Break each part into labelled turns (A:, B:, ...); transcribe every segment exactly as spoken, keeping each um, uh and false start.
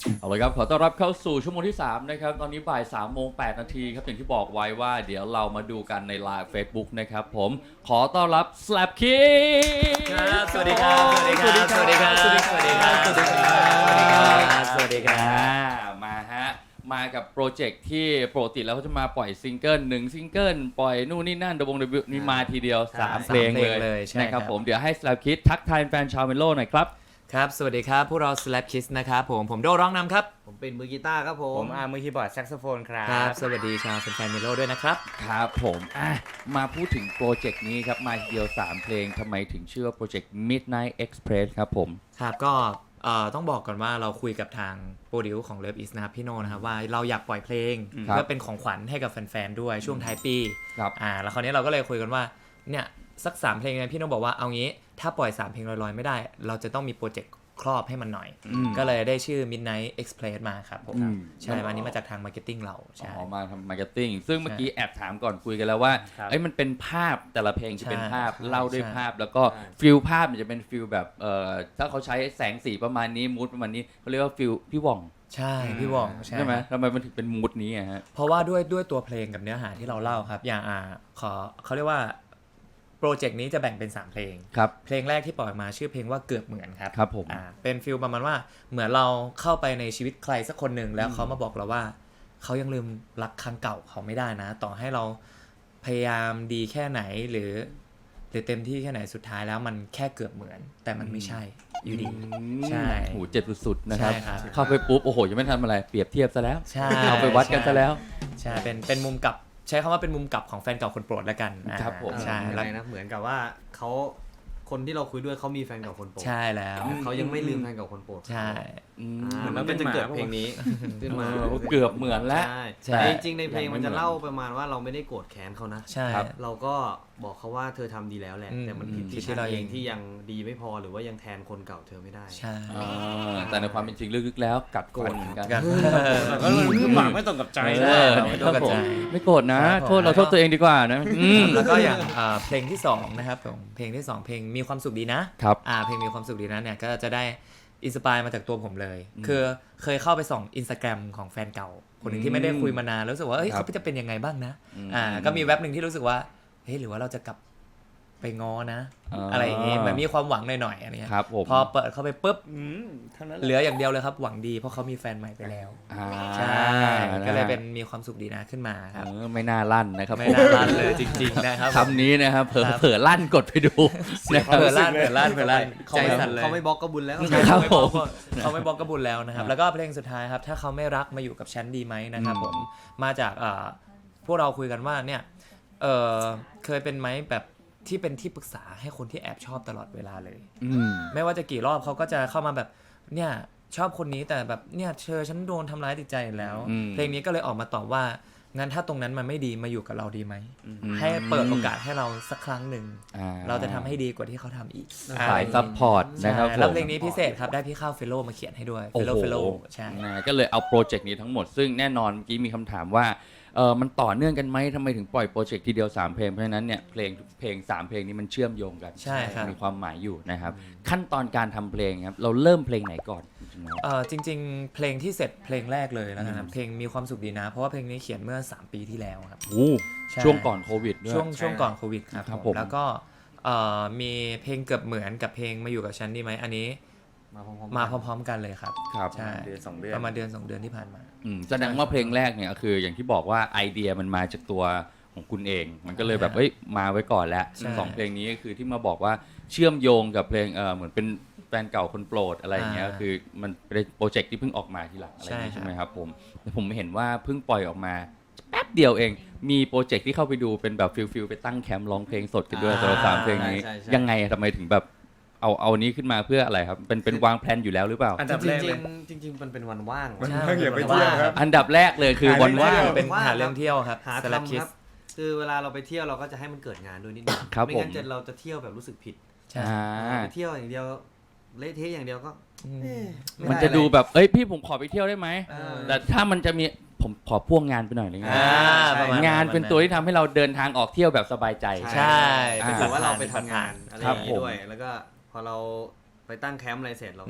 A: เอาเลยครับขอต้อนรับเข้าสู่ชั่วโมงที่สามนะครับตอนนี้บ่ายสามโมงแปดนาทีครับอย่างที่บอกไว้ว่าเดี๋ยวเรามาดูกันในไลฟ์ Facebook นะครับผมขอต้อนรับ Slap Kids
B: ครับสวัสดีครับสวัสดีครับสวัสดีครับสวัสดีครับสวัสดีครับสวัสดีครับ
A: มาฮะมากับโปรเจกต์ที่ปกติแล้วเขาจะมาปล่อยซิงเกิลหนึ่งซิงเกิลปล่อยนู่นนี่นั่นดบงดบิวนี่มาทีเดียวสามเพลงเลยนะครับผมเดี๋ยวให้ Slap Kids ทักทายแฟนชาวเมโลหน่อยครับ
B: ครับสวัสดีครับพวกเรา Slap Kids นะครับผมผมโดร้องนำครับ
C: ผมเป็นมือกีตาร์ครับผม
D: ผมอาร์มือคีย์บอร์ดแซกโซโฟนครับ
B: ครับสวัสดีชาวแฟนๆเมโลด้วยนะครับ
A: ครับผมอ่ะมาพูดถึงโปรเจกต์นี้ครับมาทีเดียวสามเพลงทำไมถึงชื่อว่าโปรเจกต์ Midnight Express ครับผม
B: ครับก็เอ่อต้องบอกก่อนว่าเราคุยกับทางโปรดิวของ Love Is นะครับพี่โนนะครับว่าเราอยากปล่อยเพลงเพื่อเป็นของขวัญให้กับแฟนๆด้วยช่วงท้ายปี
A: ครับ
B: อ่าแล้วคราวนี้เราก็เลยคุยกันว่าเนี่ยสักสามเพลงเนี่ยพี่โนบอกว่าเอางี้ถ้าปล่อยสามเพลงลอยๆไม่ได้เราจะต้องมีโปรเจกต์ครอบให้มันหน่อยก็เลยได้ชื่อ Midnight Express มาครับผมใช่อันนี้มาจากทางมาร์เก็ตติ้งเราใช่
A: อ๋อมาทำมาร์เก็ตติ้งซึ่งเมื่อกี้แอบถามก่อนคุยกันแล้วว่าเอ้ยมันเป็นภาพแต่ละเพลงจะเป็นภาพเล่าด้วยภาพแล้วก็ฟิลภาพมันจะเป็นฟิลแบบเอ่อถ้าเขาใช้แสงสีประมาณนี้มูดประมาณนี้เขาเรียกว่าฟิลพี่ว่อง
B: ใช่พี่ว่อง
A: ใช่ไหมทำไมมันถึงเป็นมูดนี้อ่ะฮะ
B: เพราะว่าด้วยด้วยตัวเพลงกับเนื้อหาที่เราเล่าครับอย่างอ่าขอเขาเรียกว่าโปรเจกต์นี้จะแบ่งเป็นสามเพลง
A: ครับ
B: เพลงแรกที่ปล่อยมาชื่อเพลงว่าเกือบเหมือนครับ
A: ครับผม
B: อ่าเป็นฟิลประมาณว่าเหมือนเราเข้าไปในชีวิตใครสักคนหนึ่งแล้วเขามาบอกเราว่าเขายังลืมรักครั้งเก่าเขาไม่ได้นะต่อให้เราพยายามดีแค่ไหนหรือหรือเต็มที่แค่ไหนสุดท้ายแล้วมันแค่เกือบเหมือนแต่มันไม่ใช่อยู่ดีใช่
A: โหเจ็บสุดๆนะครับ
B: ใช่ครับ
A: เข้าไปปุ๊บโอ้โหยังไม่ทำอะไรเปรียบเทียบซะแล้ว
B: ใช่
A: เอาไปวัดกันซะแล้ว
B: ใช่เป็นเป็นมุมกลับใช้คำว่าเป็นมุมกลับของแฟนเก่าคนโปรดแล้วกัน
A: ครับผม
C: ใช่แล้วนะเหมือนกับว่าเขาคนที่เราคุยด้วยเขามีแฟนเก่าคนโปรด
B: ใช่แล้ว
C: เขายังไม่ลืมแฟนเก่าคนโปรด
B: ใช่
C: มันก็จะเกิดเพลงนี้ขึ้นมา
A: เกือบเหมือนแล้ว
C: แต่จริงๆในเพลงมันจะเล่าประมาณว่าเราไม่ได้โกรธแค้นเขานะ
B: ใช่
C: เราก็บอกเขาว่าเธอทำดีแล้วแหละแต่มันผิดที่เราเองที่ยังดีไม่พอหรือว่ายังแทนคนเก่าเธอไม่ได้
B: ใช่
A: แต่ในความเป็นจริงลึกๆแล้วกัดโกรธเหมือนกัน
D: ก็คือหวังไม่ตรงกับใจ
B: ไม่ตรงกับใจ
A: ไม่โกรธนะโทษเราโทษตัวเองดีกว่านะ
B: แล้วก็อย่างเพลงที่สองนะครับเพลงที่สองเพลงมีความสุขดีนะครับเพลงมีความสุขดีนะเนี่ยก็จะได้อินสปายมาจากตัวผมเลยคือเคยเข้าไปส่อง Instagram ของแฟนเก่าคนหนึ่งที่ไม่ได้คุยมานานแล้วรู้สึกว่าเอ้ยเขาจะเป็นยังไงบ้างนะอ่าก็มีแว็บหนึ่งที่รู้สึกว่าเฮ้ยหรือว่าเราจะกลับไปง้อนะอะไรอย่างงี้เหมือนมีความหวังหน่อยๆอะไรเงี้ยพอเปิดเข้าไปปุ๊บเหลืออย่างเดียวเลยครับหวังดีเพราะเขามีแฟนใหม่ไปแล้วใช่ก็เลยเป็นมีความสุขดีนะขึ้นมาครับ
A: ไม่น่าลั่นนะครับ
B: ไม่น่าลั่นเลยจริงๆนะครับ
A: คำนี้นะครับเผลอเผลอลั่นกดไปดู
B: เผลอลั่นเผลอลั่นเผลอลั่นใจสั่นเลย
C: เขาไม่บล็อกก็บุญแล้ว
B: เขาไม่บล็อกเขาไม่บล็อกก็บุญแล้วนะครับแล้วก็เพลงสุดท้ายครับถ้าเขาไม่รักมาอยู่กับฉันดีไหมนะครับผมมาจากพวกเราคุยกันว่าเนี่ยเคยเป็นไหมแบบที่เป็นที่ปรึกษาให้คนที่แอบชอบตลอดเวลาเลยไม่ว่าจะกี่รอบเขาก็จะเข้ามาแบบเนี่ยชอบคนนี้แต่แบบเนี่ยเธอฉันโดนทำร้ายจิตใจแล้วเพลงนี้ก็เลยออกมาตอบว่างั้นถ้าตรงนั้นมันไม่ดีมาอยู่กับเราดีไหมให้เปิดโอกาสให้เราสักครั้งหนึ่งเราจะทำให้ดีกว่าที่เขาทำอีก
A: สายซัพพอร์ตนะครับ
B: แล้วเพลงนี้พิเศษครับได้พี่ข้าวเฟลโลมาเขียนให้ด้วยเฟลโลเฟลโลใช่
A: ก็เลยเอาโปรเจกต์นี้ทั้งหมดซึ่งแน่นอนเมื่อกี้มีคำถามว่าเออมันต่อเนื่องกันไหมทำไมถึงปล่อยโปรเจกต์ทีเดียวสามเพลงเพราะฉะนั้นเนี่ยเพลงเพลงสามเพลงนี้มันเชื่อมโยงกัน
B: ใช่ครับ
A: มีความหมายอยู่นะครับขั้นตอนการทำเพลงครับเราเริ่มเพลงไหนก่อน
B: เออจริงๆเพลงที่เสร็จเพลงแรกเลยแล้วนะครับเพลงมีความสุขดีนะเพราะว่าเพลงนี้เขียนเมื่อสามปีที่แล้วครับ
A: โอ้ช่วงก่อนโควิดด้วย
B: ช่วงช่วงก่อนโควิดครับผมแล้วก็มีเพลงเกือบเหมือนกับเพลงมาอยู่กับฉันดีไหมอันนี้มาพร้อมๆกันเลยครับ
A: ใช่
D: เดือนสองเดือน
B: ประมาณเดือนสองเดือนที่ผ่านมา
A: แสดงว่าเพลงแรกเนี่ยคืออย่างที่บอกว่าไอเดียมันมาจากตัวของคุณเองมันก็เลยแบบเอ้ยมาไว้ก่อนแล้วสองเพลงนี้ก็คือที่มาบอกว่าเชื่อมโยงกับเพลงเออเหมือนเป็นแฟนเก่าคนโปรดอะไรอย่างเงี้ยคือมันเป็นโปรเจกต์ที่เพิ่งออกมาทีหลังอะไรอย่างนี้ใช่ไหมครับผมแต่ผมเห็นว่าเพิ่งปล่อยออกมาแป๊บเดียวเองมีโปรเจกต์ที่เข้าไปดูเป็นแบบฟิลฟิลไปตั้งแคมป์ร้องเพลงสดกันด้วยตัวสามเพลงนี้ยังไงทำไมถึงแบบเอาเอานี้ขึ้นมาเพื่ออะไรครับเป็นเป็นวางแผนอยู่แล้วหรือเปล่า
C: อันดับแรกจริงจริงมันเป็นวันว่าง
D: มันว่างอย่าไปเที่ยวครับ
A: อันดับแรกเลยคือวันว่าง
B: เป็นหาเรื่องเที่ยวครับ
C: หาทำครับคือเวลาเราไปเที่ยวเราก็จะให้มันเกิดงานด้วยนิดนึงไม่งั้นจะเราจะเที่ยวแบบรู้สึกผิดไปเที่ยวอย่างเดียวเละเทะอย่างเดียวก็
A: มันจะดูแบบเอ้ยพี่ผมขอไปเที่ยวได้ไหมแต่ถ้ามันจะมีผมขอพ่วงงานไปหน่อยเลยงานเป็นตัวที่ทำให้เราเดินทางออกเที่ยวแบบสบายใจ
B: ใช่
C: เป็นถือว่าเราไปทำงานอะไรอย่างนี้ด้วยแล้วก็พอเราไปตั้งแคมป์อะไรเสร็จเราก็ม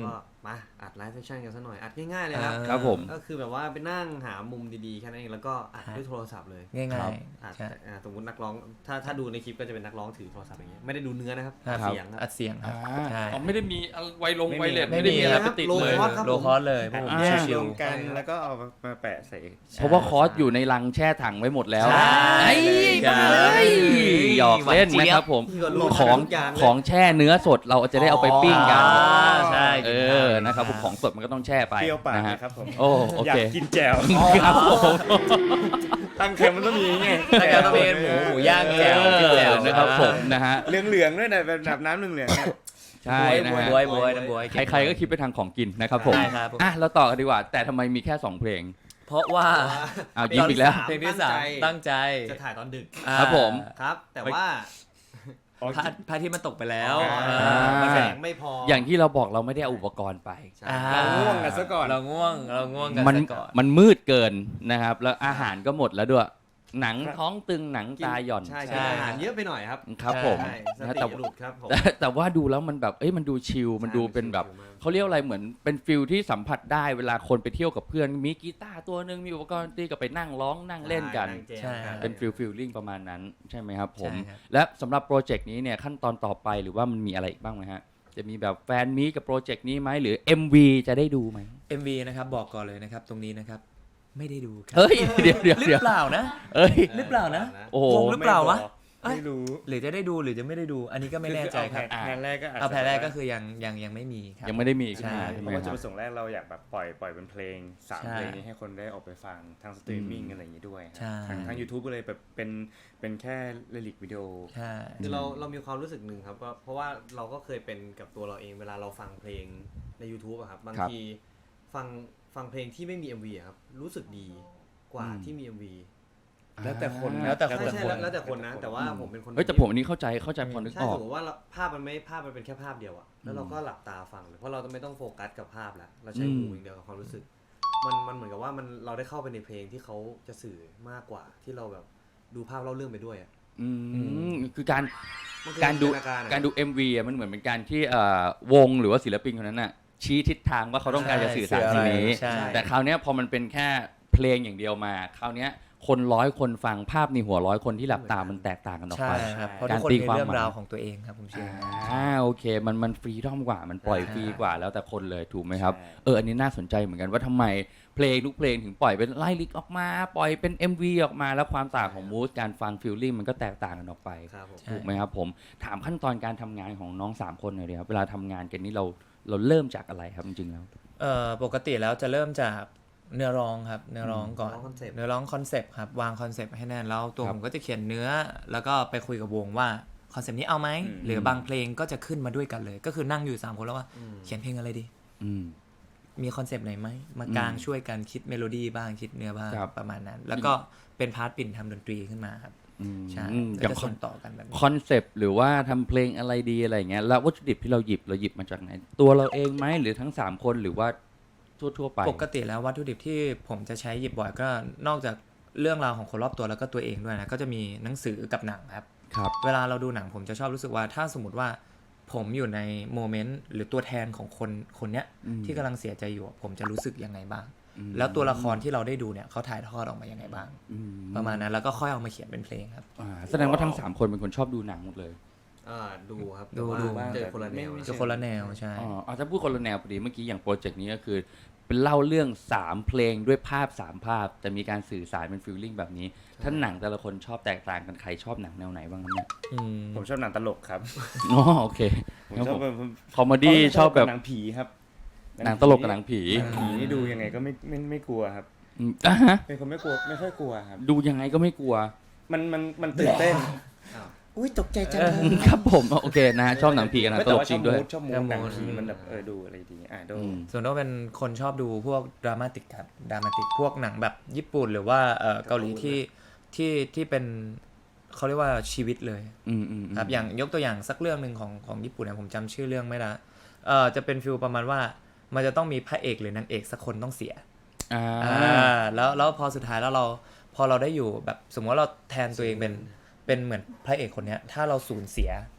C: มาอัดไลฟ์เซสชั่นกันซะหน่อยอัดง่ายๆเลยครับ
A: ครับผม
C: ก็คือแบบว่าไปนั่งหามุมดีๆแค่นั้นเองแล้วก็อัดด้วยโทรศัพท์เลย
B: ง่าย
A: ครับ
B: ๆ
C: อัด
B: ใช่
C: อ่าสมมตินักร้องถ้าถ้าดูในคลิปก็จะเป็นนักร้องถือโทรศัพท์อย่างเงี้ยไม่ได้ดูเนื้อนะครับ
B: ครับ
C: เสียงครับ
B: อัดเสียงครับ
A: อ่า
B: ใช่
A: อ๋อไม่ได้มีไวลง
D: ไม่มี
A: ไวเลส
B: ไม่
A: ไม่
B: มี
A: ได้มีอะไร
C: ครับ
A: ไปติด
C: โล
A: เลย
C: คอส ครับ
B: โล
C: ผม
B: คอสเลยพวกผม
A: อ่า
B: ชิ
D: ร
B: ว
D: วมกัน
C: ใช่ครับ
D: แล้วก็เอามาแปะใส่
A: เพราะว่าคอร์สอยู่ในลังแช่ถังไว้หมดแล้ว
B: ใช่
A: ไอ้
B: ครับ
A: เอ้ยหยอกเล่นนะครับผม
C: ที่ก็รู้
A: ของ
C: ทุกอย่างเลย
A: ของแช่เนื้อสดเราจะได้เอาไปปิ้งกัน
B: อ๋อใช่
A: เออนะครับผมของสดมันก็ต้องแช่ไป
D: เปรี้ยวปาก
A: นะ
D: เล
A: ฮะ
D: ยครับผม
A: โอ้โอ
D: อยา
A: เค
D: กกินแจ่ว
A: ครับผม
D: ตั้งแคมป์มันต้องมีไง
B: ๆแล้วก็ต้องเป็นหมูหมูย่างแจ่ว
A: เออ
B: แจ่ว
A: นะครับผมนะฮะ
D: เหลืองๆด้วยนะแบบน้ำเหลืองๆเนี่ย
A: ใช่นะฮะ
B: บวยบวยน้ำบวย
A: ใครๆก็คิดไปทางของกินนะครับผม
B: ใช่ครับผม
A: อ่ะเราต่อกันดีกว่า แต่ทำไมมีแค่สองเพลง
B: เพราะว่า
A: อ้าวยิ้มอีกแล้ว
B: เพลงที่สามตั้งใจ
C: จะถ่ายตอนดึก
B: อ่า
A: ครับผม
C: ครับ แต่ว่า
B: พระพระอาที่มันตกไปแล้ว
C: อ่า
B: อ่า
C: มันแสงไม่พอ
A: อ
C: อย่าง
A: ที่เราบอกเราไม่ได้เอาอุปกรณ์ไป
C: ใช่
B: อ่า
D: เราง่วงกันซะก่อน
B: เราง่วงเราง่วงกัน
A: มัน
B: ซะก่อน
A: มันมืดเกินนะครับ แล้วอาหารก็หมดแล้วด้วย หนังท้องตึงหนังตาหย่อน
C: ใช่
B: ใช่
C: ใช่อาหารเยอะไปหน่อยครับ
A: ครับผม
C: ใช่ส
A: นะ
C: ติ
A: แต่
C: หลุดครับผม
A: แต่แต่ว่าดูแล้วมันแบบเอ้ยมันดูชิลมันดูเป็นแบบเขาเรียกอะไรเหมือนเป็นฟิลที่สัมผัสได้เวลาคนไปเที่ยวกับเพื่อนมีกีตาร์ตัวหนึ่งมีอุปกรณ์ดนตรีก็ไปนั่งร้องนั่งเล่นกัน
C: ใช่ครับ
A: เป็นฟิลฟิลลิ่งประมาณนั้นใช่ไหมครับผม
B: ใช่ครับ
A: และสำหรับโปรเจกต์นี้เนี่ยขั้นตอนต่อไปหรือว่ามันมีอะไรอีกบ้างไหมฮะจะมีแบบแฟนมีตกับโปรเจกต์นี้ไหมหรือ เอ็ม วี จะได้ดูไหม
B: เอ็ม วี นะครับบอกก่อนเลยนะครับตรงนี้นะครับไม่ได้ดูครั
A: เฮ้ยเดี๋ยวเดี๋ยว
B: หรื
A: เดี๋ยว
B: อเปล่านะ
A: เอ้ย
B: หรือเปล่านะ
A: โอ้โห
B: วงหรือเปล่าวะ
D: ไม่รู้
B: หรือจะได้ดูหรือจะไม่ได้ดู อันนี้ก็ไม่แน่ใจครับ
D: แผนแรกก็อาจจะ
B: เอาแผนแรกก็คือยังยังยังไม่มีครับ
A: ยังไม่ได้มีอีก
B: ใช่
A: ใช่
D: เพ
A: ไหม
D: ราะว่า
A: ค
D: จุด
A: รับ
D: ประสงค์แรกเราอยากแบบปล่อยปล่อยเป็นเพลงสาม
B: ใช่
D: เพลงนี้ให้คนได้ออกไปฟังทางสตรีมมิ่งอะไรอย่างนี้ด้วย
B: ใช่
D: ทางทาง YouTube ก็เลยแบบเป็นเป็นแค่เรลิกวิดีโอ
B: ใช่
C: คือเราเรามีความรู้สึกหนึ่งครับว่าเพราะว่าเราก็เคยเป็นกับตัวเราเองเวลาเราฟังเพลงใน YouTube อะครับบาง
A: ครับ
C: ทีฟังฟังเพลงที่ไม่มี เอ็ม วี อะครับรู้สึกดีกว่า
A: อืม
C: ที่มี เอ็ม วี
D: แล้วแต่คน
B: แล้วแต่คน
C: ใช่ใช่แล้วแล้วแต่คนนะ แต่ว่าผมเป็นคน
A: เฮ้ยแต่ผมอันนี้เข้าใจเข้าใจพอนึก
C: ใช่
A: ออ
C: ส
A: ก
C: มมติว่าเราภาพมันไม่ภาพมันเป็นแค่ภาพเดียวอะแล้วเราก็หลับตาฟังเลยเพราะเราจะไม่ต้องโฟกัสกับภาพแล้วเราใช้หู
A: อืม
C: อย่างเดียวกับความรู้สึก มันมันเหมือนกับว่ามันเราได้เข้าไปในเพลงที่เขาจะสื่อมากกว่าที่เราแบบดูภาพเล่าเรื่องไปด้วยอะ
A: อืมคือการ
C: มันคือ
A: การดู
C: จินตนอะ
A: การดู เอ็ม วีอ่ะมันเหมือนเป็นการที่เอ่อวงหรือว่าศิลปินคนนั้นน่ะชี้ทิศทางว่าเขาต้องการจะสื่อสารสิ่งนี้
B: ใช่
A: แต่คราวเนี้ยพอมันเป็นแค่เพลงอย่างเดียวมา คราวเนี้ยคนร้อยคนฟังภาพในหัวร้อยคนที่หลับตามันแตกต่างกันออก
B: ใช่
A: ไป
B: ครับเพราะ
A: กา
B: ทุ
A: ร
B: กคน
A: ตี
B: มี
A: ความ
B: เรื่อง
A: หมาย
B: ราวของตัวเองครับผมเชื่อ
A: อ่าโอเคมันมันฟรีดอมกว่ามันปล่อย
B: ใช่
A: ฟรีกว่าแล้วแต่คนเลยถูกไหมครับ
D: ใช่
A: เอออันนี้น่าสนใจเหมือนกันว่าทำไมเพลงทุกเพลงถึงปล่อยเป็นไล่ลิกออกมา ปล่อยเป็น เอ็ม วี ออกมาแล้วความต่างของมูดการฟังฟีลลิ่งมันก็แตกต่างกันออกไป
C: ครับผม
A: ถูกไหมครับผมถามขั้นตอนการทำงานของน้องสามคนหน่อยดีครับเวลาทำงานกันนี่เราเราเริ่มจากอะไรครับจริงๆแล้ว
B: เอ่อปกติแล้วจะเริ่มจากเนื้อร้องครับเนื้อร้องก่อน
C: เนื้อร้องคอนเซ็ปต์
B: เนื้อร้องคอนเซปต์ครับวางคอนเซปต์ให้แน่นแล้วตัว
A: ครับ
B: ผมก็จะเขียนเนื้อ แล้วก็ไปคุยกับวงว่าคอนเซปต์นี้เอาไหม
D: อืม
B: หรือบางเพลงก็จะขึ้นมาด้วยกันเลย ก็คือนั่งอยู่สามคนแล้วว่า
C: อืม
B: เขียนเพลงอะไรดี
A: อืม
B: มีคอนเซปต์ไหนไหมมากางช่วยกันคิดเมโลดี้บ้างคิดเนื้อบ้าง
A: ครับ
B: ประมาณนั้น แล้วก็เป็นพาร์ทปิ่นทำดนตรีขึ้นมาครับ
A: อืม
B: ใช่
A: อืมอ
B: ก็
A: ย่าง
B: จะ
A: คอ
B: ส่
A: น
B: งต่อกันแบบนี้
A: คอนเซปต์หรือว่าทำเพลงอะไรดีอะไรอย่างเงี้ยแล้ววัตถุดิบที่เราหยิบเราหยิบมาจากไหน ตัวเราเองไหมหรือทั้งสามคนหรือว่าทั่วๆไป
B: ปกติแล้ววัตถุดิบที่ผมจะใช้หยิบบ่อยก็นอกจากเรื่องราวของคนรอบตัวแล้วก็ตัวเองด้วยนะก็จะมีหนังสือกับหนังครับ
A: ครับ
B: เวลาเราดูหนังผมจะชอบรู้สึกว่าถ้าสมมติว่าผมอยู่ในโมเมนต์หรือตัวแทนของคนคนเนี้ย
A: อืม
B: ที่กำลังเสียใจอยู่ผมจะรู้สึกยังไงบ้าง
A: อืม
B: แล้วตัวละครที่เราได้ดูเนี่ยเขาถ่ายทอดออกมายังไงบ้าง
A: อื
B: ประมาณนั้นแล้วก็ค่อยเอามาเขียนเป็นเพลงครับ
A: อ่าแสดงว่าทั้งสามคนเป็นคนชอบดูหนังหมดเลย
C: อ่าดูครับ
B: ดู
C: แต่ว่า
B: ดูบ้าง
C: เจอคนละแนว
D: ไม่
B: จะคนละแนวใช่
A: อ๋อเอาถ้าพูดคนละแนวพอดีเมื่อกี้อย่างโปรเจกต์นี้ก็คือเป็นเล่าเรื่องสามเพลงด้วยภาพสามภาพแต่มีการสื่อสารเป็นฟีลลิ่งแบบนี้ถ้าหนังแต่ละคนชอบแตกต่างกันใครชอบหนังแนวไหนบ้างครับเนี่ย
B: อืม
D: ผมชอบหนังตลกครับ
A: อ๋อโอเค
D: ผม
A: ครับ
D: ชอ
A: ผ
D: บ
A: ม
D: แบบ
A: คอมเมดี้ชอบแบบ
D: หนังผีครับ
A: หนังตลกกับหนังผี
D: หนังผีนี่ดูยังไงก็ไม่ไม่ไม่กลัวครับ
A: อืมอ่ะฮะ
D: เป็นคนไม่กลัวไม่ค่อยกลัวครับ
A: ดูยังไงก็ไม่กลัว
D: มันมันมันตื่นเต้น
C: อ้าว
D: อุ้ยตกใจจัง
A: ครับผมโอเคนะฮะชอบหนังผีกับหนังตลกจริงด้วย
D: ชอบมูดหนังผีมันแบบเออดูอะไรดีอ่ะดู
A: อืม
B: ส่วนตัวเป็นคนชอบดูพวกดรามาติกครับดรามาติกพวกหนังแบบญี่ปุ่นหรือว่าเอ่อเกาหลีที่ที่ที่เป็นเขาเรียกว่าชีวิตเลย
A: อืมอืม
B: ครับอย่างยกตัวอย่างสักเรื่องหนึ่งของของญี่ปุ่นเนี่ยผมจำชื่อเรื่องไม่ได้เอ่อจะเป็นฟิลประมาณว่ามันจะต้องมีพระเอกหรือนางเอกสักคนต้องเสีย
A: อ่า
B: อ่าแล้วแล้วพอสุดท้ายแล้วเราพอเราได้อยู่แบบสมมติว่าเราแทนตัวเองเป็นเป็นเหมือนพระเอกคนเนี้ยถ้าเราสูญเสีย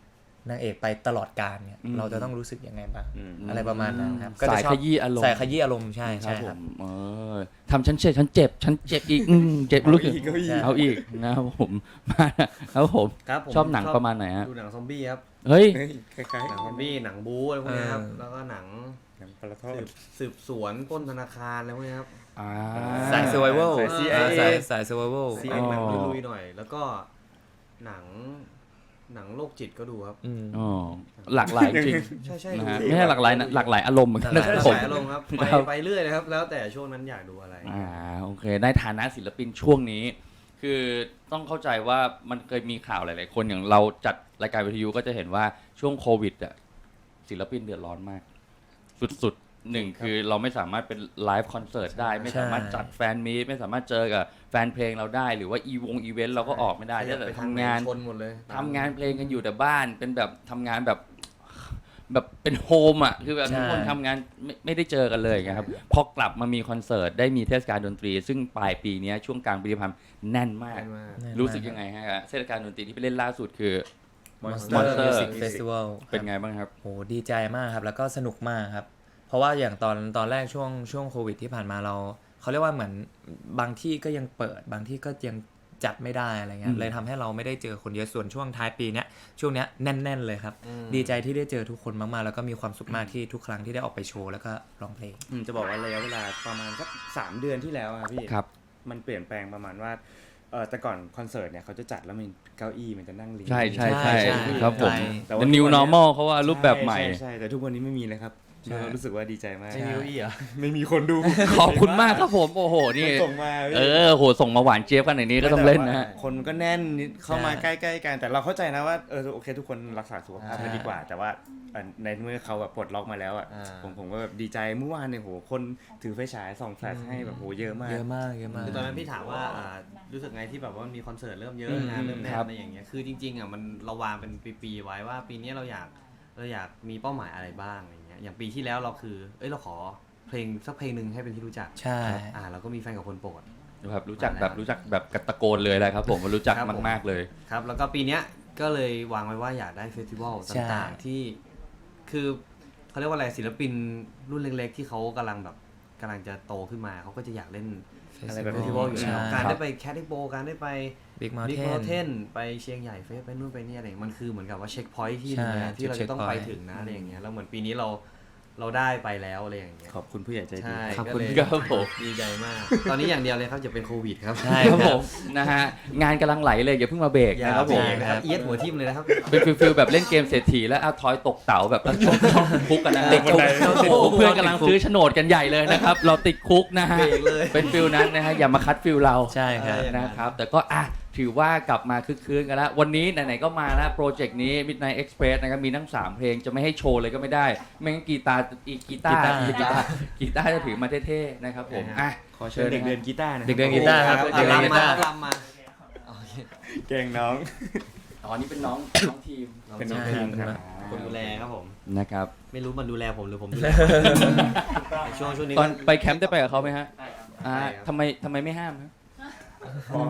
B: นางเอกไปตลอดกาลเนี่ย
A: อืม
B: เราจะต้องรู้สึกยังไงบ้าง
D: อืม
B: อะไรประมาณนั้นครับ
A: สายขยี้อารมณ์
B: สายขยี้อารมณ์ใช่
A: ครั
B: ใช่
A: บผ
B: ครับ
A: มเออทำฉันเจ็บฉันเจ็บฉันเจ็บอีกอืมเจ็บรู้สึก
D: เอาอีก
A: เอาอีกนะครับผมมาครับผม
C: ครับผม
A: ชอบหนังประมาณไหนฮะ
C: ดูหนังซอมบี้ครับ
A: เฮ้ย
D: เฮ้ยคล้าย
C: หนังซอมบี้หนังบู๊อะไรพวกเนี้ยครับ
B: เออ
C: แล้วก็หนัง
D: ๆหนังปลาทอ
C: สื
D: ด
C: บสืบสวนปล้นธนาคารอะไรพวกเนี้ยครับ
A: อ่า
B: สาย survival
D: สาย ซี ไอ เอ
B: สายสาย survival
C: ซี
A: อ๋
C: เอ็
A: อ
C: หนังลุยๆหน่อย แล้วก็หนังหนังโรคจิตก็ดูครับ
B: อืม
A: อ๋อหลากหลายจริง
C: ใช่ใช่
A: นะ
C: ดู
A: ฮะ
C: ดี
A: ไม่ใช่หลากหลายนะหลากหลายอารมณ์เหมือนกัน
B: หลา
A: นะ
B: กหลาย
A: ครับ
C: ส
A: ผม
C: ายอารมณ์ครับไป
A: ครับ
C: ไปเรื่อยเลยครับ แล้วแต่ช่วงนั้นอยากดูอะไร
A: อ่าโอเคในฐานะศิลปินช่วงนี้ คือต้องเข้าใจว่ามันเคยมีข่าวหลาย ๆ คนอย่างเราจัดรายการวิทยุก็จะเห็นว่าช่วงโควิดอ่ะศิลปินเดือดร้อนมาก สุดๆหนึ่งคือเราไม่สามารถเป็นไลฟ์คอนเสิร์ตได้ ไม่สามารถจัดแฟนมีตไม่สามารถเจอกับแฟนเพลงเราได้ หรือว่าอีวงอีเวนต์เราก็ออกไม่ได้
C: ใช่
A: ถ้าแต่
C: ไป
A: ทำงาน
C: ชนหมดเลย
A: ทำงานเพลงกันอยู่แต่บ้านเป็นแบบทำงานแบบแบบเป็นโฮมอ่ะคือแบบ
B: ใช่
A: ทุกคนทำงานไม่ไม่ได้เจอกันเลยไงครับพอกลับมามีคอนเสิร์ตได้มีเทศกาลดนตรี ซึ่งปลายปีนี้ช่วงกลางปีที่ผ่านมาแน่นมาก
C: แน่นมาก
A: รู้สึกยังไงฮะเทศกาลดนตรีที่ไปเล่นล่าสุดคือ
B: Monster
A: Monster
B: Music Festival
A: เป็นไงบ้างครับ
B: โหดีใจมากครับ แล้วก็สนุกมากครับ เพราะว่าอย่างตอนตอนแรกช่วงช่วงโควิดที่ผ่านมาเราเขาเรียกว่าเหมือนบางที่ก็ยังเปิด บางที่ก็ยังจัดไม่ได้อะไรเงี้
A: อื
B: ย
A: ม
B: เลยทำให้เราไม่ได้เจอคนเยอะส่วนช่วงท้ายปีเนี้ยช่วงเนี้ยแน่น ๆ เลยครับ
C: อืม
B: ดีใจที่ได้เจอทุกคนมากๆ แล้วก็มีความสุขมากที่ทุกครั้งที่ได้ออกไปโชว์แล้วก็ร้องเพลง
D: อืมจะบอกว่าระยะเวลาประมาณสักสามเดือนที่แล้วอะพี่
A: ครับ
D: มันเปลี่ยนแปลงประมาณว่าเออแต่ก่อนคอนเสิร์ตเนี่ยเขาจะจัดแล้วมันเก้าอี้มันจะนั่งเรียง
A: ใช่ใช่
B: ใช่
A: ใช่
B: ใช่
A: ครับผม
D: แต่ว่า
A: The New Normal เขาว่ารูปแบบใหม่
D: ช่ใช่แต่ทุกวันนี้ไม่มีเลยครับ
B: ใช่
D: เรารู้สึกว่าดีใจมาก
C: ไม่มีเก้าอี้เหรอ
D: ไม่มีคนดู
A: ขอบคุณมากครับผมโอ้โหนี่
D: ส่งมาพี่
A: เออโหส่งมาหวานเจี๊ยบกันในนี้ก็ต้องเล่นนะฮะ
D: คนก็แน่นนิดเข้ามา
B: ใช่
D: ใกล้ๆกันแต่เราเข้าใจนะว่าเออโอเคทุกคนรักษาสุขภาพ
B: ใช่
D: กันดีกว่า แต่ว่าเอ่อในเมื่อเขาแบบปลดล็อกมาแล้วอ่ะ
C: อ่า
D: ผมผมก็แบบดีใจเมื่อวานเนี่ยโหคนถือไฟฉายส่องแฟลชให้แบบโหเยอะมาก
B: เยอะมากเยอะมาก
C: คือตอนนั้นพี่ถามว่าอ่ารู้สึกไงที่แบบว่ามีคอนเสิร์ตเริ่มเยอะ
A: อืม
C: งานเริ่มแน่
A: ครั
C: น
A: บ
C: อะไรอย่างเงี้ยคือจริงๆอ่ะมันเราวางเป็นปีๆไว้ว่า ปีนี้เราอยากเราอยากมีเป้าหมายอะไรบ้างอะไรเงี้ยอย่างปีที่แล้วเราคือเอ้ยเราขอเพลงสักเพลงหนึ่งให้เป็นที่รู้จัก
B: ใช่
C: อ่าเราก็มีแฟนกับคนโปรด
A: ครับรู้จักแบบรู้จักแบบกระตะโกนเลยแหละครับผมรู้จัก
C: ครับผม
A: มากๆเลย
C: ครับแล้วก็ปีเนี้ยก็เลยวางไว้ว่าอยากได้เฟสติวัล
B: ใช่
C: ต่างๆที่คือเขาเรียกว่าอะไรศิลปินรุ่นเล็กๆ ที่เขากำลังแบบกำลังจะโตขึ้นมาเขาก็จะอยากเล่น
D: อะไรแบบ
C: เฟ
D: นี้
C: สติวัลอยู่แล้ว
B: ใช่
C: การได้ไปแคดดิโบการได้ไป
B: Big
C: บิ๊ก
B: Mountain
C: มอเทนไปเชียงใหญ่เฟสไปนู่นไปนี่อะไรอย่างเงี้ยมันคือเหมือนกับว่าเช็คพอยท์ที่
B: ใช่
C: หนึงนะที่เรา
B: จุด
C: จะต้องไป
B: checkpoint
C: ถึงนะอะไรอย่างเงี้ยแล้วเหมือนปีนี้เราเราได้ไปแล้วอะไรอย่างเงี้ย
D: ขอบคุณผู้ใหญ่ใจดี
C: ใช่
B: ขอบ
C: ก็
B: คุณ
C: เลย
A: ครับผม
C: ดีใจมาก ตอนนี้อย่างเดียวเลยครับจะเป็นโควิดครับ
B: ใช่
A: ครับผมนะฮะงานกำลังไหลเลยอย่าเพิ่งมาเบรก
C: อย่า
A: นะครับผม
C: เบรกนะครับเอียดหัวทิ่มเลยนะครับ
A: เป็นฟิลฟิลแบบเล่นเกมเศรษฐีแล้วเอาทอยตกเต๋าแบบแล้วชกชกคุกกันนะ
B: ติดคุก
A: โอ้โหเพื่อนกำลังซื้อโฉนดกันใหญ่เลยนะครับ เราติดคุกนะฮะ
C: เบรกเลย
A: เป็นฟิลนั้นนะฮะอย่ามาคัดฟิลเรา
B: ใช่ครับ
C: อย่างนั้น
A: นะครับแต่ก็อ่ะถือว่ากลับมาคึกคืนกันแล้ว วันนี้ไหนๆก็มาแล้วโปรเจกต์นี้ Midnight Express นะครับมีทั้งสามเพลงจะไม่ให้โชว์เลยก็ไม่ได้ ไม่งั้นกีตาร์อีกกีตาร์
B: กีตาร์
A: กีตาร์กีตาร์จะถือมาเท่ๆนะครับผมอ่ะ
D: ขอเชิญเด็กเดินกีตาร์นะ
B: เด็กเดินกีตาร์ครับ
C: เอา
B: เด็กเดินกี
C: ลำมา
B: ตาร์
C: ลำมาโอเค
D: เก่งน้อง
A: อ๋อนี่เป็นน้องน้องทีม
D: เป็นน้อง
B: ใช่
D: ทีมครับ
C: คนดูแลครับผม
A: นะครับ
C: ไม่รู้มันดูแลผมหรือผมดูแลในช่วงช่วงนี้
A: ตอนไปแคมป์ได้ไปกับเขาไหมฮะอ่า
C: ไปครับ
A: ทำไมทำไมไม่ห้ามฮะอ๋อ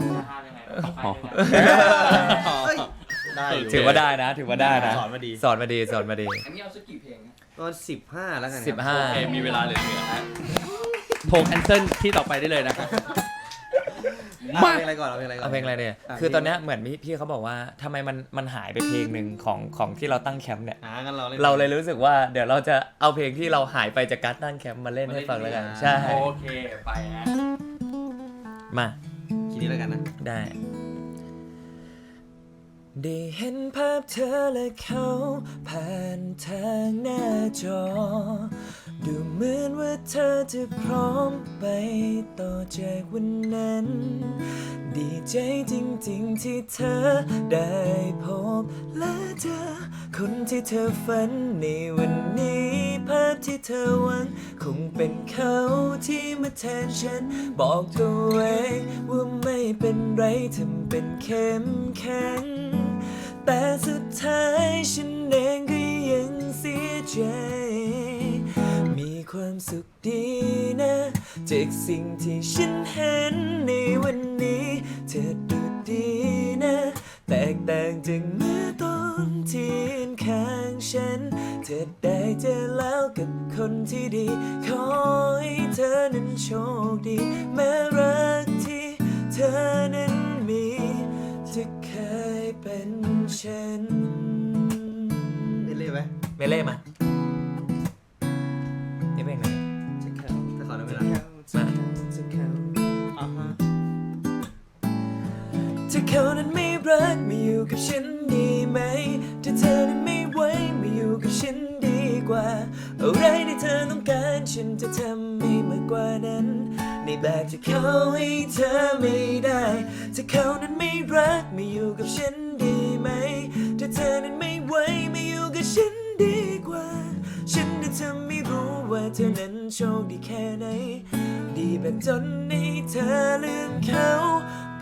C: เฮ้ยได้อยู่
B: ถือว่าได้นะ ถือว่าได้นะ
C: สอนมาดี
B: สอนมาดีสอนมาดี
A: อันนี้เอาสักกี่เพลงฮะ
C: ก็สิบห้าแล้วกันครับ
B: สิบห้า
A: โอเคมีเวลาเหลือๆฮะโทรแคนเซิลที่ต่อไปได้เลยนะครับ
C: เอาเพลงอะไรก่อนเอาเพลงอะไรก่อน
B: เอาเพลงอะไรเนี่ยคือตอนเนี้ยเหมือนพี่พี่เขาบอกว่าทำไมมันมันหายไปเพลงหนึ่งของของที่เราตั้งแคมป์เนี่ย
C: อ่างั้นเราเล่น
B: เราเลยรู้สึกว่าเดี๋ยวเราจะเอาเพลงที่เราหายไปจากการตั้งแคมป์มาเล่นให้ฟังแล้วกัน ใช่
A: โอเคไปฮะ
B: มา
C: คิดนี้แล้วกันนะ
B: ได้ ได้เห็นภาพเธอและเขาผ่านทางหน้าจอ ดูเหมือนว่าเธอจะพร้อมไปต่อจากวันนั้น ดีใจจริงๆที่เธอได้พบและเจอคนที่เธอฝันในวันนี้ ภาพที่เธอหวังคงเป็นเขาที่มาแทนฉัน บอกตัวเองว่าไม่เป็นไรทำเป็นเข้มแข็ง แต่สุดท้ายฉันเองก็ยังเสียใจ มีความสุขดีนะจากสิ่งที่ฉันเห็นในวันนี้ เธอดูดีนะแตกต่างจากเมื่อตอนที่เห็นเขาฉันเธอได้เจอแล้วกับคนที่ดีขอให้เธอนั้นโชคดีแม้รักที่เธอนั้นมีจะเคยเป็นฉัน
C: ไม่เล่ไหม
B: เมเล่มานี่เพลงไหน
C: จะเข้าจะขอได้เวลา
B: มา
C: อ่าฮะ
B: ถ้าเขานั้นไม่รักไม่อยู่กับฉันดีไหมถ้าเธอนั้นไม่ไหวไม่อยู่กับฉันดีกว่าอะไรที่เธอต้องการฉันจะทำให้มากกว่านั้นในแบบที่เขาให้เธอไม่ได้ถ้าเขานั้นไม่รักไม่อยู่กับฉันดีไหมถ้าเธอนั้นไม่ไหวไม่อยู่กับฉันดีกว่าฉันจะทำไม่รู้ว่าเธอนั้นโชคดีแค่ไหนดีแบบจนให้เธอลืมเขาไป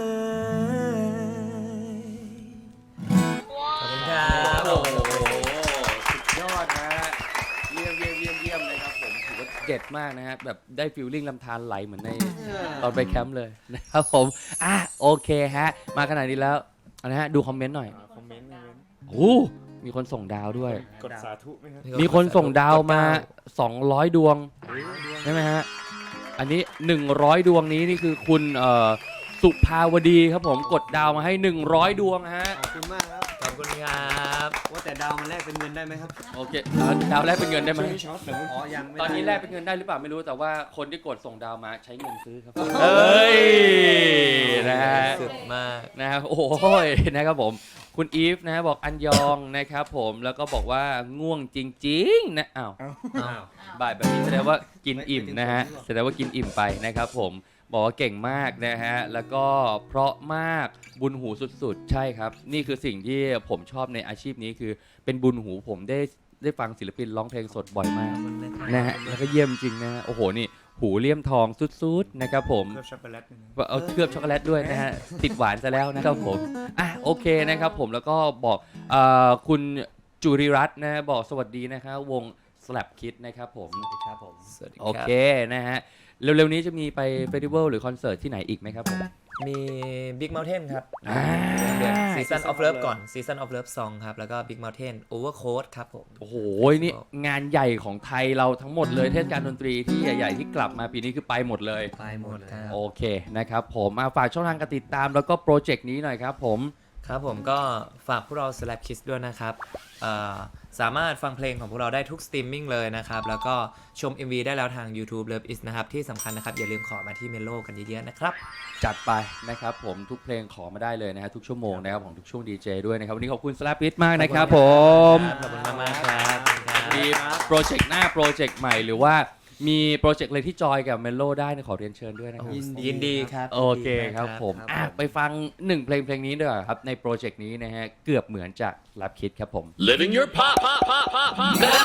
B: เลยขอบคุณครับ
A: โอ้โหสุดยอดนะฮะเยี่ยมเยี่ยมเยี่ยมเยี่ยมเลยครับผมถือว่าเด็ดมากนะฮะแบบได้ฟีลลิ่งลำธารไหลเหมือนในตอนไปแคมป์เลยนะครับผมอ่ะโอเคฮะมาขนาดนี้แล้วนะฮะดูคอมเมนต์หน่อย
D: คอมเมนต์คอมเมนต์
A: โอ้มีคนส่งดาวด้วย
D: กดสาธุไหมครับ
A: มีคนส่งดาวมาสองร้อยดวงใช่ไหมฮะอันนี้หนึ่งร้อยดวงนี้นี่คือคุณเอ่อสุภาวดีครับผมกดดาวมาให้หนึ่งร้อยดวงฮะ
C: ขอบคุณมากครับ
B: ขอบคุณครับ
C: ว่าแต่ดาวมันแลกเป็นเงินได้ไหมครับ
A: โอเคแล้วดาวแรกเป็นเงินได้ไหม
D: ช่วงนี้ช็อตเหรอ
C: อ๋อยังไม่
A: ตอนนี้
C: ได้
A: แลกเป็นเงินได้หรือเปล่าไม่รู้แต่ว่าคนที่กดส่งดาวมาใช้เงินซื้อครับ
B: เอ้ย
A: นะฮะ
B: สุดมาก
A: นะครับโอ้โหนะครับผมคุณอีฟนะฮะบอกอันยองนะครับผมแล้วก็บอกว่าง่วงจริงๆนะอ้าว
C: อ้าว
A: บ่ายแบบนี้แสดงว่ากินอิ่มนะฮะแสดงว่ากินอิ่มไปนะครับผมบอกว่าเก่งมากนะฮะแล้วก็เพราะมากบุญหูสุดๆ ใช่ครับ นี่คือสิ่งที่ผมชอบในอาชีพนี้คือเป็นบุญหูผมได้ได้ฟังศิลปินร้องเพลงสดบ่อยมากนะฮะแล้วก็เยี่ยมจริงนะฮะโอ้โหนี่หูเลี่ยมทองสุดๆนะครับผม
D: เคลือบช็อกโกแลตด้วยนะ
A: ว่าเอาเคลือบช็อกโกแลตด้วยนะฮะ ติดหวานซะแล้วนะครับผมอ่ะโอเคนะครับผมแล้วก็บอกเอ่อคุณจุริรัตน์นะฮะบอกสวัสดีนะครับวง Slap Kid นะครับผม
C: ครับผม
B: สวัสดีครับ
A: โอเคนะฮะเร็วๆนี้จะมีไปเฟสติวัลหรือคอนเสิร์ตที่ไหนอีกไหมครับผม
B: มี Big Mountain ครับ
A: อ่า
B: Season of Love ก่อน Season of Love Song ครับ แล้วก็ Big Mountain Overcoat ครับผม
A: โอ้โหนี่งานใหญ่ของไทยเราทั้งหมดเลยเทศกาลดนตรีที่ใหญ่ๆที่กลับมาปีนี้คือไปหมดเลย
C: ไปหมดเลย
B: ครับ
A: โอเคนะครับผมมาฝากช่องทางการติดตามแล้วก็โปรเจกต์นี้หน่อยครับผม
B: ครับผมก็ฝากพวกเรา Slap Kids ด้วยนะครับเอ่อสามารถฟังเพลงของพวกเราได้ทุกสตรีมมิ่งเลยนะครับ แล้วก็ชม เอ็ม วี ได้แล้วทาง YouTube Love Is นะครับ ที่สำคัญนะครับ อย่าลืมขอมาที่เมโลกันเยอะๆนะครับ
A: จัดไปนะครับผมทุกเพลงขอมาได้เลยนะฮะทุกชั่วโมงนะครับของทุกช่วงดีเจด้วยนะครับวันนี้ขอบคุณสแลปปิทมากนะครับผม
B: ขอบคุณมากๆครับ
A: มีโปรเจกต์หน้าโปรเจกต์ใหม่หรือว่ามีโปรเจกต์อะไรที่จอยกับเมโลได้นะขอเรียนเชิญด้วยนะครับ
C: ยินดี
B: ยินดีครับ
A: โอเคครับผม
C: ครับ
A: อ่ะ
C: ผม
A: ไปฟังหนึ่งเพลงเพลงนี้ด้วยครับในโปรเจกต์นี้นะฮะเกือบเหมือนจากแลปคิดครับผม
E: Living your pop, pop, pop, pop, pop.